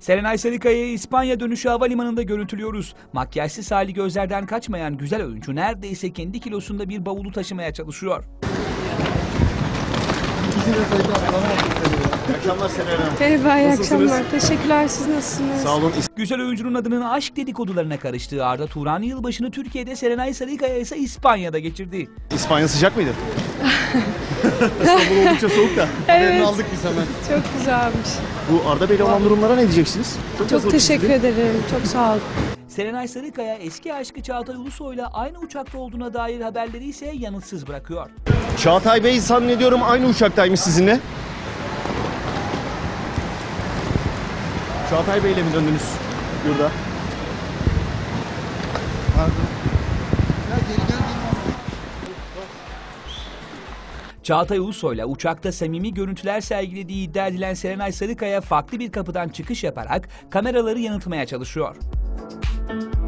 Serenay Sarıkaya'yı İspanya dönüşü havalimanında görüntülüyoruz. Makyajsız hali gözlerden kaçmayan güzel oyuncu neredeyse kendi kilosunda bir bavulu taşımaya çalışıyor. İyi akşamlar Serenay Hanım. Merhaba, iyi Nasılsınız? akşamlar. Teşekkürler, siz nasılsınız? Sağ olun. Güzel oyuncunun adının aşk dedikodularına karıştığı Arda Turan yılbaşını Türkiye'de, Serenay Sarıkaya ise İspanya'da geçirdi. İspanya sıcak mıydı? İstanbul oldukça soğuk da. Haberini aldık biz hemen. Çok güzelmiş. Bu Arda Bey'le olan durumlara ne diyeceksiniz? Çok teşekkür ederim, çok sağ olun. Serenay Sarıkaya eski aşkı Çağatay Ulusoy'la aynı uçakta olduğuna dair haberleri ise yanıtsız bırakıyor. Çağatay Bey zannediyorum aynı uçaktaymış sizinle. Çağatay Bey'le mi döndünüz yurda? Çağatay Ulusoy'la uçakta samimi görüntüler sergilediği iddia edilen Serenay Sarıkaya farklı bir kapıdan çıkış yaparak kameraları yanıltmaya çalışıyor.